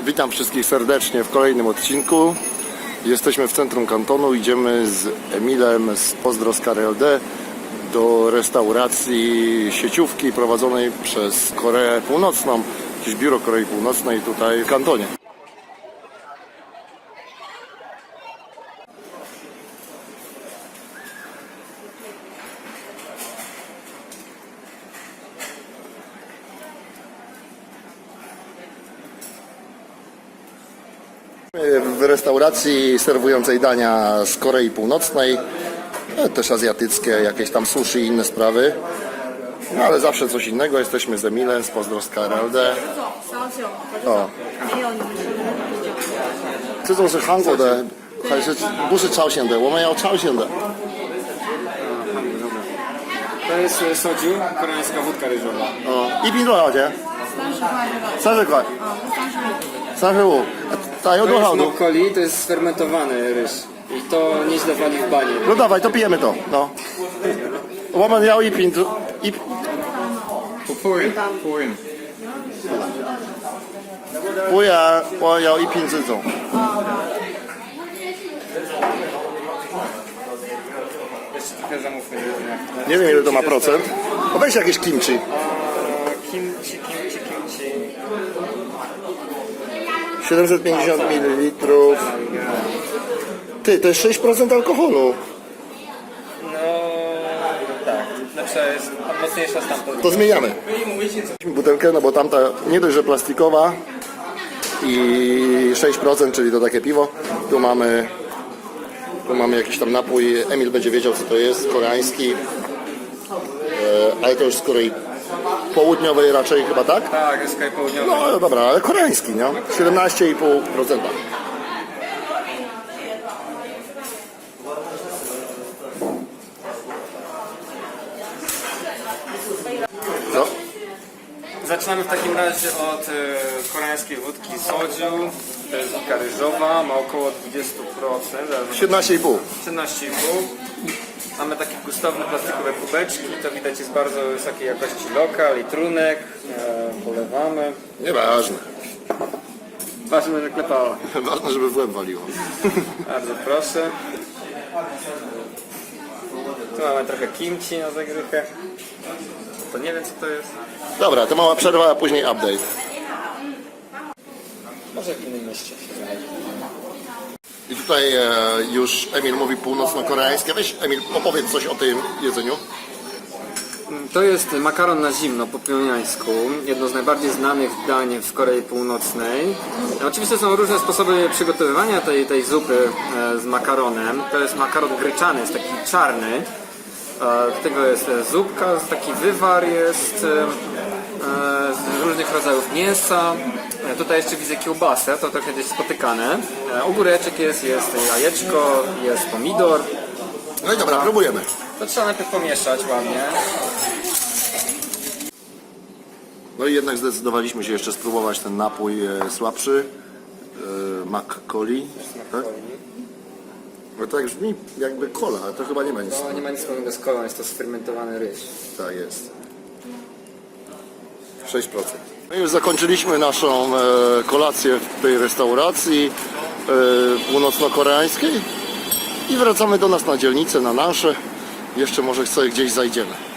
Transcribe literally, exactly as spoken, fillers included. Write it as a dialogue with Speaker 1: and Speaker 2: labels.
Speaker 1: Witam wszystkich serdecznie w kolejnym odcinku. Jesteśmy w centrum kantonu, idziemy z Emilem z Pozdro z K R L D do restauracji sieciówki prowadzonej przez Koreę Północną, jakieś biuro Korei Północnej tutaj w kantonie. W restauracji serwującej dania z Korei Północnej, też azjatyckie, jakieś tam sushi i inne sprawy. No ale zawsze coś innego. Jesteśmy z Emilem z Pozdro z K R L D. O. 这种是韩国的还是不是朝鲜的？我们要朝鲜的。
Speaker 2: To jest soju, koreańska wódka ryżowa.
Speaker 1: O. 一瓶多少钱？
Speaker 3: 三十块这个，
Speaker 1: 三十块。
Speaker 3: 啊，三十五。
Speaker 1: 三十五。它有
Speaker 2: To
Speaker 1: 多
Speaker 2: jest
Speaker 1: 少度？
Speaker 2: mokkoli, to jest sfermentowany ryż. I to nieźle wali w banie.
Speaker 1: No dawaj, to pijemy to. No. 我们要一瓶子一。
Speaker 2: Pół, pół.
Speaker 1: 不然我要一瓶这种。
Speaker 2: Jeszcze trochę zamówmy.
Speaker 1: Nie wiem ile to ma procent. O, weź jakieś kimchi.
Speaker 2: Kimchi, kimchi, kimchi.
Speaker 1: siedemset pięćdziesiąt mililitrów. Ty, to jest sześć procent alkoholu.
Speaker 2: No tak, lepsza jest, mocniejsza stamtąd.
Speaker 1: To zmieniamy. Butelkę, no bo tamta nie dość, że plastikowa i sześć procent, czyli to takie piwo. Tu mamy tu mamy jakiś tam napój. Emil będzie wiedział co to jest, koreański. E, ale to już z Korei Południowej raczej chyba, tak?
Speaker 2: Tak, jest kraj południowy.
Speaker 1: No dobra, ale koreański, nie? siedemnaście i pół procent. Co?
Speaker 2: Zaczynamy w takim razie od e, koreańskiej wódki soju. To jest wódka ryżowa, ma około dwadzieścia procent.
Speaker 1: siedemnaście i pół.
Speaker 2: siedemnaście i pół. Mamy takie gustowne plastikowe kubeczki, to widać jest bardzo wysokiej jakości lokal i trunek. E, polewamy.
Speaker 1: Nieważne.
Speaker 2: Ważne, że klepało.
Speaker 1: Ważne, żeby w łeb waliło.
Speaker 2: Bardzo proszę. Tu mamy trochę kimchi na zagrychę. To nie wiem co to jest.
Speaker 1: Dobra, to mała przerwa, a później update.
Speaker 2: Może w innym mieście się znajdzie.
Speaker 1: I tutaj e, już Emil mówi północno-koreańskie. Weź Emil, opowiedz coś o tym jedzeniu.
Speaker 2: To jest makaron na zimno po pjongjańsku, jedno z najbardziej znanych dań w Korei Północnej. Oczywiście są różne sposoby przygotowywania tej, tej zupy z makaronem. To jest makaron gryczany, jest taki czarny. Do tego jest zupka, taki wywar jest z różnych rodzajów mięsa. Tutaj jeszcze widzę kiełbasę, to trochę gdzieś spotykane. Ogóreczek jest, jest jajeczko, jest pomidor.
Speaker 1: No i dobra, próbujemy.
Speaker 2: To trzeba najpierw pomieszać ładnie.
Speaker 1: No i jednak zdecydowaliśmy się jeszcze spróbować ten napój e, słabszy. E, Mac-Coli. Tak? No to tak brzmi jakby cola, ale to chyba nie ma nic.
Speaker 2: No, nie ma nic wspólnego z kolą, jest to sfermentowany ryż.
Speaker 1: Tak jest. sześć procent. No i już zakończyliśmy naszą e, kolację w tej restauracji e, północno-koreańskiej i wracamy do nas na dzielnicę, na nasze. Jeszcze może sobie gdzieś zajdziemy.